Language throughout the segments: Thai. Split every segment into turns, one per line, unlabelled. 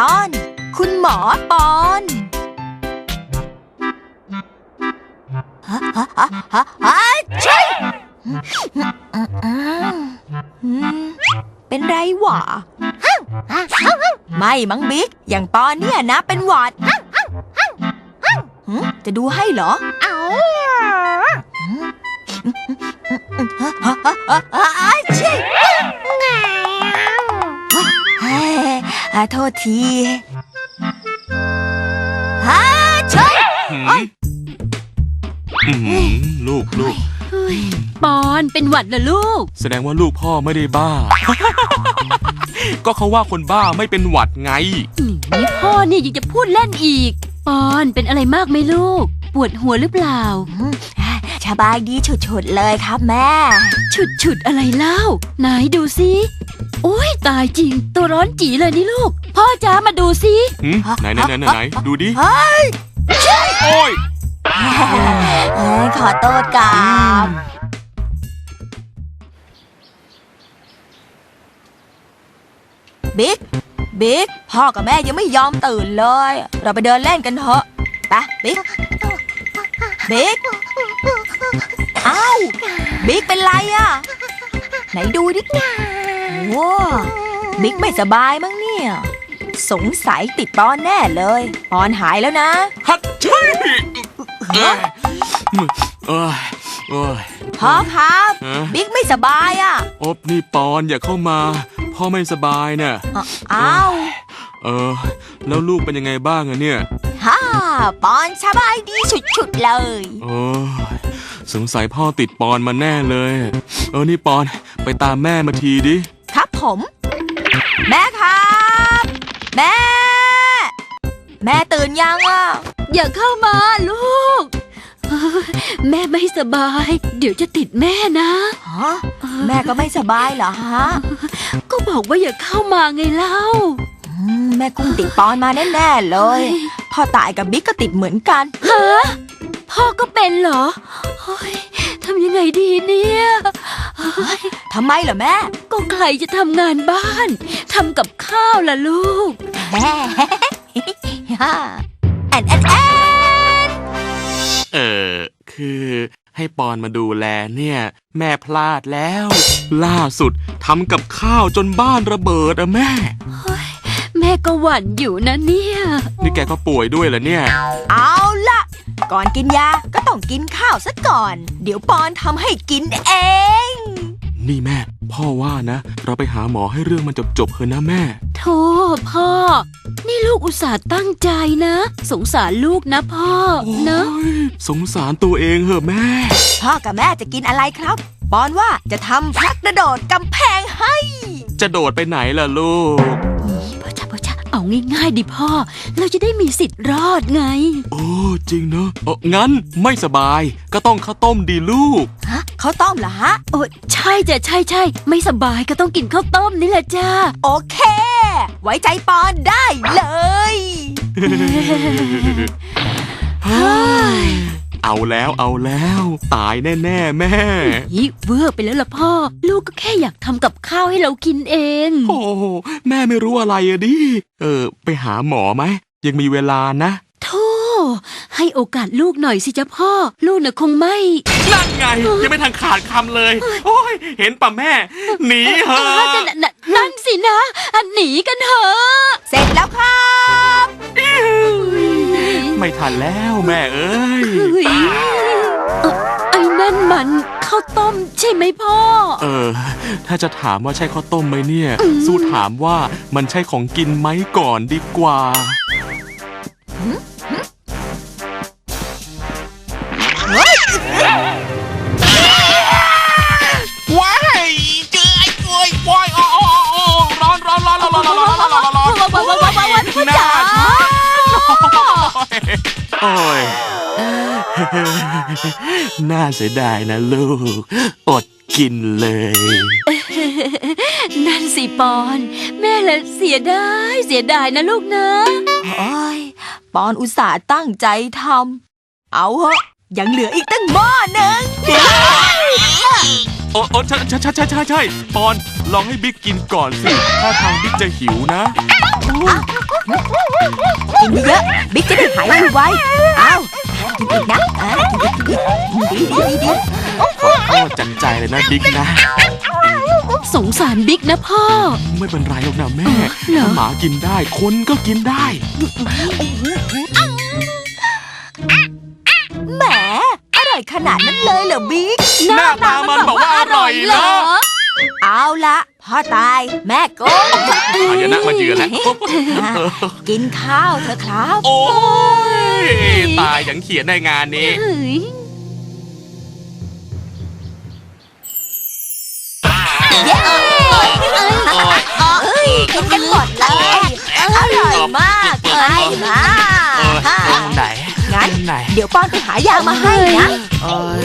ตอนคุณหมอปอนใช่เป็นไรหวะไม่มั้งบิ๊กอย่างปอนเนี่ยนะเป็นหวัดจะดูให้เหรอชิโทษทีใช่
ลูก
ปอนเป็นหวัดเหรอลูก
แสดงว่าลูกพ่อไม่ได้บ้า ก็เขาว่าคนบ้าไม่เป็นหวัดไง
นี่พ่อเนี่ยยังจะพูดเล่นอีกปอนเป็นอะไรมากไหมลูกปวดหัวหรือเปล่า
สบายดีฉุดๆเลยครับแม่
ฉุดอะไรเล่าไหนดูสิโอ้ยตายจริงตัวร้อนจี๋เลยนี่ลูกพ่อจ๋ามาดูสิ
ไหนดูดิโอ้ย
ขอโทษครับบิ๊กพ่อกับแม่ยังไม่ยอมตื่นเลยเราไปเดินเล่นกันเถอะไปบิ๊กอ้าวบิ๊กเป็นไรอ่ะไหนดูดิว้าบิ๊กไม่สบายมั้งเนี่ยสงสัยติดปอนแน่เลยปอนหายแล้วนะ
ฮัทช่วย
พ่อครับบิ๊กไม่สบายอ่ะ
อบนี่ปอนอย่าเข้ามาพ่อไม่สบายเนี่ย
อ้าว
แล้วลูกเป็นยังไงบ้างอะเนี่ย
ปอนสบายดีฉุดๆเลย
สงสัยพ่อติดปอนมาแน่เลยนี่ปอนไปตามแม่มาทีดิ
ครับผมแม่ครับแม่ตื่นยังอ่ะ
อย่าเข้ามาลูกแม่ไม่สบายเดี๋ยวจะติดแม่นะ
แม่ก็ไม่สบายเหรอฮะ
ก็บอกว่าอย่าเข้ามาไงเล่า
แม่กุ้งติดปอนมาแน่ๆเลยพ่อตายกับบิ๊กก็ติดเหมือนกัน
ฮะพ่อก็เป็นเหรอทำยังไงดีเนี่ย
ทำไมเหรอแม่
ก็ใครจะทำงานบ้านทำกับข้าวล่ะลูก
แม่
คือให้ปอนมาดูแลเนี่ยแม่พลาดแล้วล่าสุดทำกับข้าวจนบ้านระเบิดอะแม่
แม่ก็หวั่นอยู่นะเนี่ย
นี่แกก็ป่วยด้วยเหรอเนี่ย
เอาล่ะก่อนกินยาก็ต้องกินข้าวซะก่อนเดี๋ยวปอนทำให้กินเอง
นี่แม่พ่อว่านะเราไปหาหมอให้เรื่องมันจบเถอะนะแม่
โธ่พ่อนี่ลูกอุตส่าห์ตั้งใจนะสงสารลูกนะพ่อนะ
สงสารตัวเองเหอะแม่
พ่อกับแม่จะกินอะไรครับปอนว่าจะทำพักกระโดดกำแพงให้
จะโดดไปไหนล่ะลูก
พ่อเอาง่ายๆดิพ่อเราจะได้มีสิทธิ์รอดไง
โอ้จริงเนอะงั้นไม่สบายก็ต้องข้าวต้มดีลูก
ข้าวต้มเหรอฮะ
โอ้ใช่จ้ะใช่ไม่สบายก็ต้องกินข้าวต้มนี่แหละจ้า
โอเคไว้ใจปอนได้เลย
เอาแล้วตายแน่แม่
เวอร์ไปแล้วล่ะพ่อลูกก็แค่อยากทำกับข้าวให้เรากินเอง
โอ้แม่ไม่รู้อะไรอะดิไปหาหมอไหมยังมีเวลานะ
โธ่ให้โอกาสลูกหน่อยสิจ๊ะพ่อลูกน่ะคงไม่
นั่นไงยังไม่ทันขาดคำเลยโอ้ยเห็นป่ะแม่หนีเหอะ
นั่นสินะหนีกันเถอะ
เสร็จแล้วครับ
ไม่ทันแล้วแม่เอ้ย
ไอ้นั่นมันข้าวต้มใช่ไหมพ่อ
ถ้าจะถามว่าใช่ข้าวต้มไหมเนี่ยสู้ถามว่ามันใช่ของกินไหมก่อนดีกว่าว้ายเจอไอ้กล้วยว้ายร้อนน่าโอ้ยน่าเสียดายนะลูกอดกินเลย
นั่นสิปอนแม่ละเสียดายนะลูกนะ
ปอนอุตส่าห์ตั้งใจทำเอาเหอะยังเหลืออีกตั้งหม้อหนึ่ง
ใช่ปอนลองให้บิ๊กกินก่อนสิถ้าทางบิ๊กจะหิวนะ
กินเยอะๆบิ๊กจะได้หายไวๆอ้าวกินอีกนะกินอีกดี
ขอโทษจังใจเลยนะบิ๊กนะ
สงสารบิ๊กนะพ่อ
ไม่เป็นไรหรอกนะแม่
เหรอ
ถ้าหมากินได้คนก็กินได้
แหมอร่อยขนาดนั้นเลยเหรอบิ๊ก
หน้าตามันบอกว่าอร่อยเหรอ
เอาละพ่อตายแม่โกง
อายนะมาเยือนแล้ว
กินข้าวเถอะครับ
โอ้ยตายอย่างเขียนในงานนี้
เฮ้ย
เย้เอ้ยกินกันหมดเลยอร่อยมากเลยมา
ไหน
งั้น
ไหน
เดี๋ยวป้อนไปหายามาให้นะ
เอ้ย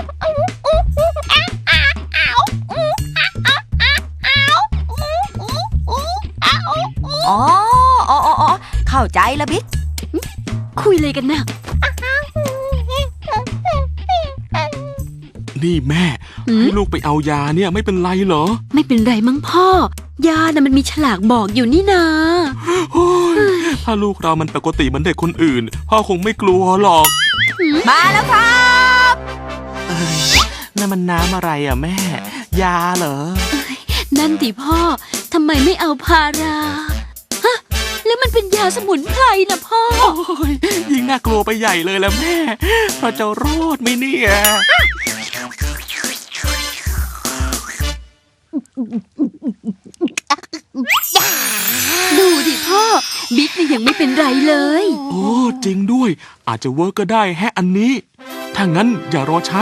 อ๋อเข้าใจแล้วบิ๊ก
คุยเลยกันนะ
นี่แม่
หืม
ให้ลูกไปเอายาเนี่ยไม่เป็นไรเหรอ
ไม่เป็นไรมั้งพ่อ ยาน่ะมันมีฉลากบอกอยู่นี่นา
โอ้ยถ้าลูกเรามันปกติเหมือนเด็กคนอื่น พ่อคงไม่กลัวหรอก
มาแล้วครับ
นั่นมันน้ำอะไรอ่ะแม่ ยาเหรอ
นั่นดิพ่อ ทำไมไม่เอาพารา ฮะ แล้วมันเป็นยาสมุนไพรนะพ่อ
โอ้ยยิ่งน่ากลัวไปใหญ่เลยแล้วแม่เราจะรอดไหมเนี่ย
ดูดิพ่อ บิ๊กนี่ยังไม่เป็นไรเลย
โอ้จริงด้วย อาจจะเวิร์กก็ได้แฮะอันนี้ ถ้างั้นอย่ารอช้า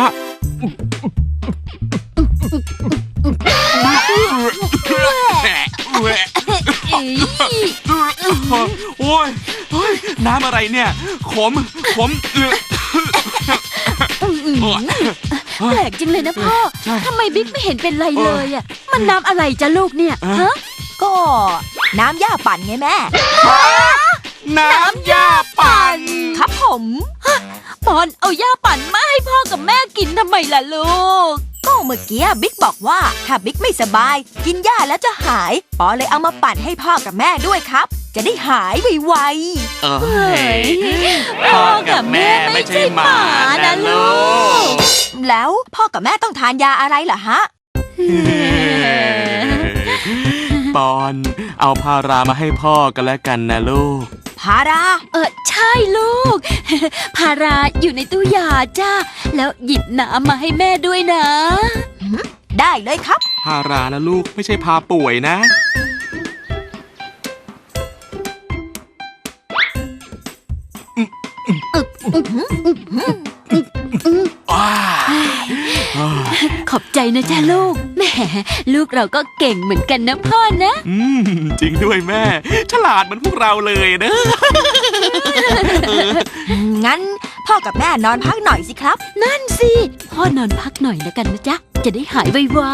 โอ้ยน้ำอะไรเนี่ย ขม
แปลกจริงเลยนะพ่อ
ใช่
ทำไมบิ๊กไม่เห็นเป็นไรเลยอ่ะ มันน้ำอะไรจ้ะลูกเนี่ย ฮะ
ก็น้ำย่าปั่นไงแม่
น้ำยาปั่น
ครับผม
ปอนเอาย่าปั่นมาให้พ่อกับแม่กินทำไมล่ะลูก
ก็เมื่อกี้บิ๊กบอกว่าถ้าบิ๊กไม่สบาย กินย่าแล้วจะหายปอเลยเอามาปั่นให้พ่อกับแม่ด้วยครับ จะได้หายไว
เอ้
เฮ้
ย
ย
พ่อกับแม่ไม่ใช่หมานะลูก
ๆแล้วพ่อกับแม่ต้องทานยาอะไรเหรอฮะ
ปอน เอาพารามาให้พ่อกันแล้วกันนะลูก
พารา
ใช่ลูก พาราอยู่ในตู้ยาจ้า แล้วหยิบน้ำมาให้แม่ด้วยนะ
ได้เลยครับ
พารานะลูกไม่ใช่พาป่วยนะว้า
ขอบใจนะจ้าลูก แหมลูกเราก็เก่งเหมือนกันนะพ่อนะ
จริงด้วยแม่ ฉลาดเหมือนพวกเราเลยนะ
งั้นพ่อกับแม่นอนพักหน่อยสิครับ
นั่นสิพ่อนอนพักหน่อยแล้วกันนะจ๊ะ จะได้หายไว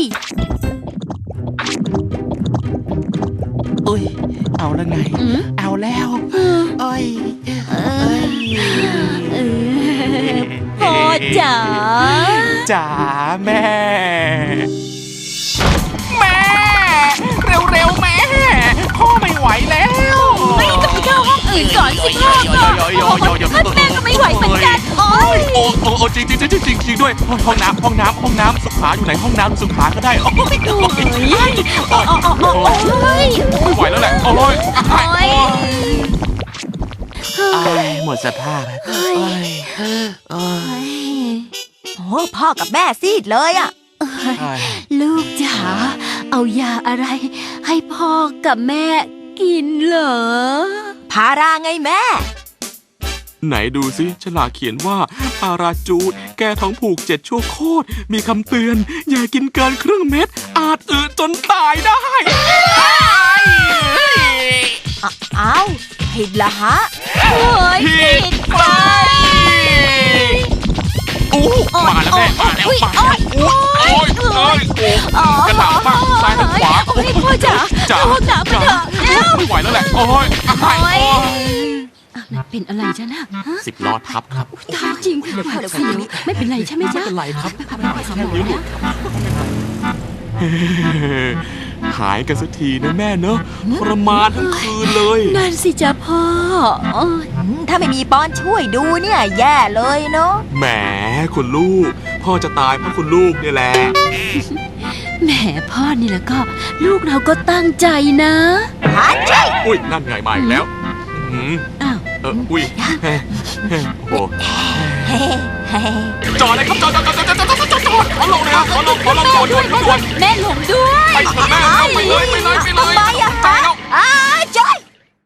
อุ้ย เอาแล้วไง
ๆอืม
เอาแล้ว
เออ
เอ้ย
เออพ่อจ๋า
จ๋าแม่ แม่ เร็วๆแม่ พ่อไม่ไหวแล้ว
ไม่ต้องไปเข้าห้องอื่นก่อนสิพ่อก็แม่ก็ไม่ไหวเหมือนกัน โอ๊ย
โอ้จริงด้วยห้องน้ำสุขาอยู่ไหนห้องน้ำสุขาก็ได้โอ้ย ไม่ไหวแล้วแหละโอ้ยหมดสภาพ
โอ้พ่อกับแม่ซีดเลยอ่ะ
ลูกจ๋าเอายาอะไร ให้พ่อกับแม่กินเหรอ
พาราไงแม่
ไหนดูสิฉลากเขียนว่าพาราจูดแก้ท้องผูก7 ชั่วโคตรมีคำเตือน อย่ากินเกินครึ่งเม็ดอาจจนตายได้
อ้าวผิดละฮะ
โอ้ยผิดไป
มาแล้วแม่มาแล้วกระหน่ำมากซ้ายทางขวา
โอ้ยพ่อจ๋าห้องน้ำมาเถอะเร็ว
ไม่ไหวแล้วแหละโอ้ย
เป็นอะไรจ๊ะนะ
10 ล้อทับครับ
ตายจริงหวาดเสียวไม่เป็นไรใช่ไหมจ๊ะ
ไม่เป็นไรครับ
ไปหาหมอนะ
เหายกันสักทีนะแม่เนอะทรมานทั้งคืนเลย
นั่นสิจ้ะพ่อโอ้ย
ถ้าไม่มีปอนช่วยดูเนี่ยแย่เลยเนาะ
แหมคุณลูก พ่อจะตายเพราะคุณลูกนี่แหละ
แหมพ่อนี่แล้วก็ ลูกเราก็ตั้งใจนะ
หาใช่
อุ้ยนั่นไงมาอีกแล้วอืม
อ้าว
อุ้ยโอ้โห
เฮ้เฮ้
จอดเลยครับจอดขอลงเลยครับขอลงด่วน
แม่หลงด้วย
ไปเถอะแม่ไปเลย
ทำไมอะ
ไป
ฮะ
แล้ว
อ้าว